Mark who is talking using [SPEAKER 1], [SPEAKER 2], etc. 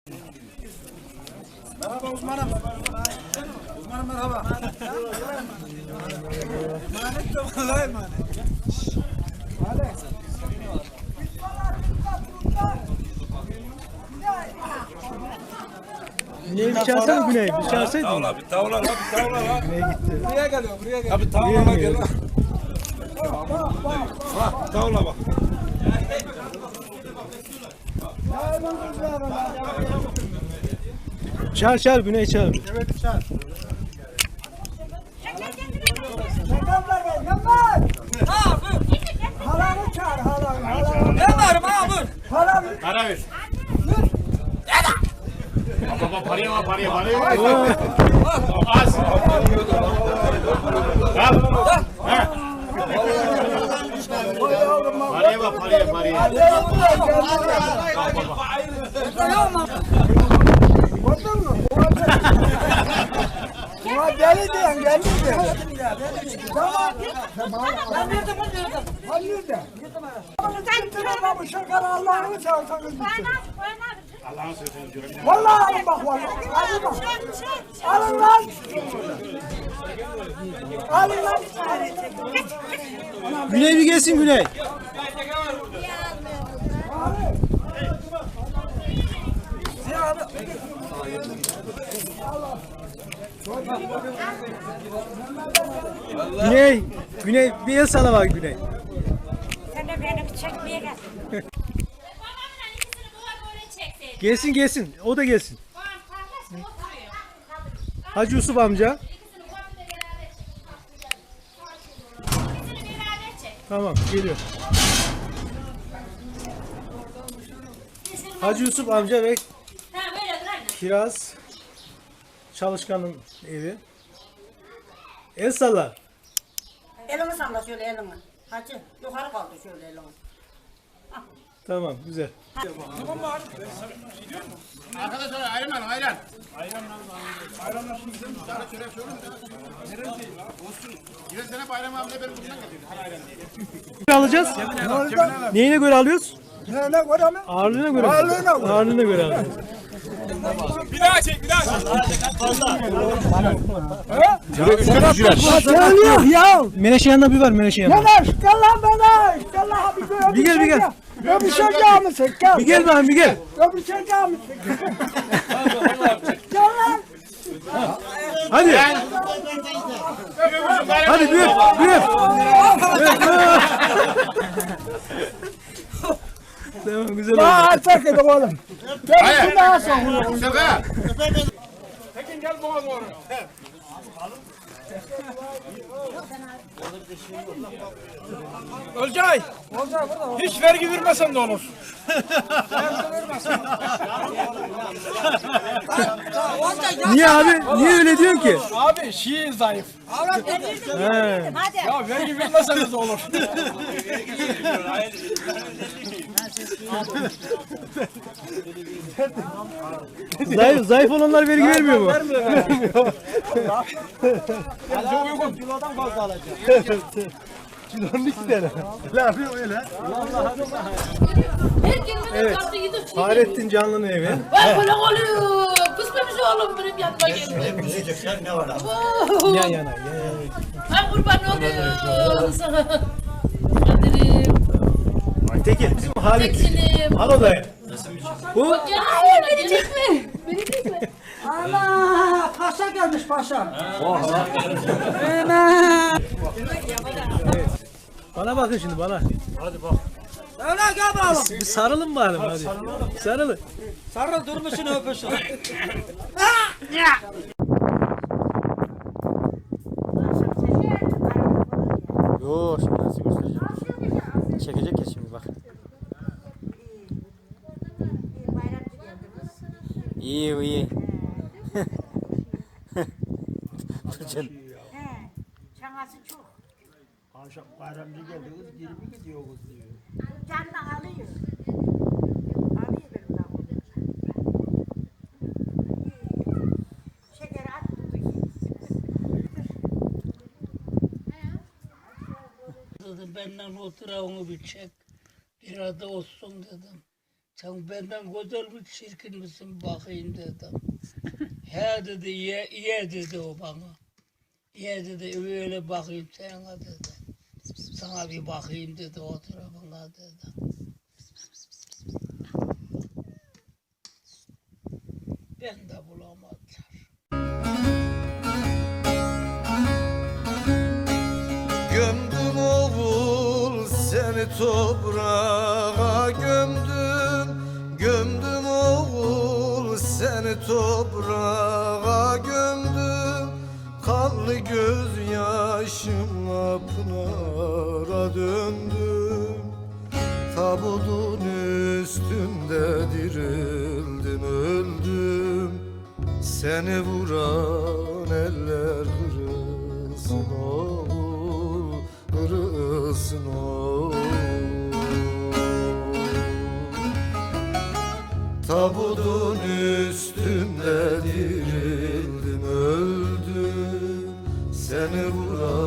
[SPEAKER 1] Merhaba uzmanım. Uzmanım merhaba. Emanet de vallahi emanet. Hadi.
[SPEAKER 2] Güney bir çağırsana Güney. Bir çağırsaydın.
[SPEAKER 3] Tavla bir tavla lan bir tavla lan.
[SPEAKER 2] Güney gitti.
[SPEAKER 1] Buraya geliyor buraya geliyor.
[SPEAKER 3] Abi tavla gel lan. Bak tavla bak.
[SPEAKER 2] Çağır Güney çağır.
[SPEAKER 1] Evet çağır. Yakamlar gel yakamlar. Ha buyur. Halanı çağır halanı. Ne var abi? Halam.
[SPEAKER 3] Para ver. Baba paraya var paraya. Az. Paraya bak paraya.
[SPEAKER 1] Gördün mü? Buna deli diyen geldi de. Tamam. Ben nerede bu nerede? Hayırdır? Sen bu şeker Allah'ını seversen
[SPEAKER 3] Allah'ın sözünü görün.
[SPEAKER 1] vallahi alın bak vallahi. Alın bak. Alın lan. Alın lan.
[SPEAKER 2] Güney bir gelsin Güney. Güney bir el sana bak Güney.
[SPEAKER 4] Sen de beni bir çekmeye gel.
[SPEAKER 2] Gelsin o da gelsin. Hacı Yusuf amca. Tamam geliyor. Hacı Yusuf amca ve Kiraz Çalışkan'ın evi. El salla.
[SPEAKER 4] Elini salla şöyle elini. Hacı yukarı kaldı şöyle elini.
[SPEAKER 2] Tamam güzel.
[SPEAKER 3] Arkadaşlar ayran ayran. Geçen sene Bayram abiyle benim buradan getirdi.
[SPEAKER 2] Alacağız. Neyine göre alıyoruz?
[SPEAKER 1] Ne göre mi?
[SPEAKER 2] Ağırlığına göre.
[SPEAKER 1] Ağırlığına göre.
[SPEAKER 2] Ağırlığına göre alıyoruz.
[SPEAKER 3] Bir daha çek.
[SPEAKER 1] Söylüyor ya.
[SPEAKER 2] Menekşe yanında bir var Menekşe yanında.
[SPEAKER 1] Yanaş gel lan bana. Gel lan bir
[SPEAKER 2] gel.
[SPEAKER 1] Öpüşeceğim misin? Gel.
[SPEAKER 2] Bir gel bakayım bir gel.
[SPEAKER 1] Öpüşeceğim misin? Gel lan.
[SPEAKER 2] Hadi. Hadi bir öp. Tamam güzel oldu.
[SPEAKER 1] Daha açak edin oğlum.
[SPEAKER 3] Hayır.
[SPEAKER 1] Daha sonra.
[SPEAKER 3] Şaka.
[SPEAKER 5] Olcay, hiç vergi vermesen de olur.
[SPEAKER 2] Niye abi? Niye öyle diyorsun ki?
[SPEAKER 5] Abi şiir zayıf.
[SPEAKER 2] He.
[SPEAKER 5] Ya vergi vermeseniz de olur.
[SPEAKER 2] Zayıf olanlar vergi vermiyor mu?
[SPEAKER 5] Çok uygun. Kilodan fazla alacağım.
[SPEAKER 2] Kilonun iki tane. Ne yapıyor öyle? Evet. Fahrettin Canlı'nın evi.
[SPEAKER 6] Bak böyle oluyor. Kısmemiş oğlum benim yanıma geldi. Ne var abi?
[SPEAKER 2] Yan yana.
[SPEAKER 6] Ay kurban oluyor sana. Kadir'im.
[SPEAKER 2] Tekin bizim Halit.
[SPEAKER 6] Tekin'im.
[SPEAKER 2] Al odaya. Bu
[SPEAKER 6] Ay beni çekme. Beni çekme.
[SPEAKER 1] Allah paşa gelmiş paşa.
[SPEAKER 2] bana bakın şimdi bana.
[SPEAKER 1] Öyle gel bakalım.
[SPEAKER 2] Bir sarılın bari hadi. Sarılın.
[SPEAKER 1] Sarıl durmuşsun öpüşün.
[SPEAKER 2] Yo şimdi nasıl göstereceğim? Çekecek ya şimdi bak. İyi.
[SPEAKER 4] Çanası çok.
[SPEAKER 1] Akşam bayramcı geldi kız geri mi gidiyor kız diyor.
[SPEAKER 4] Canını alıyor. Alıyor benim daha. Şekeri at.
[SPEAKER 7] Dedi benden otura onu bir çek. Bir adı olsun dedim. Sen benden güzel mi çirkin misin bakayım dedim. He dedi, ye dedi o bana. Ye dedi, öyle bakayım sana dedi. Sana bir bakayım dedi, o tarafına dedi. Ben de bulamadılar.
[SPEAKER 8] Gömdüm oğul seni toprağa gömdüm. Gömdüm oğul seni toprağa gömdüm. Kanlı gözyaşımla pınara döndüm. Tabutun üstünde dirildin öldüm. Seni vuran eller kırılsın oğul, kırılsın oğul. Tabutun üstünde dirildin öldüm. Seni vuran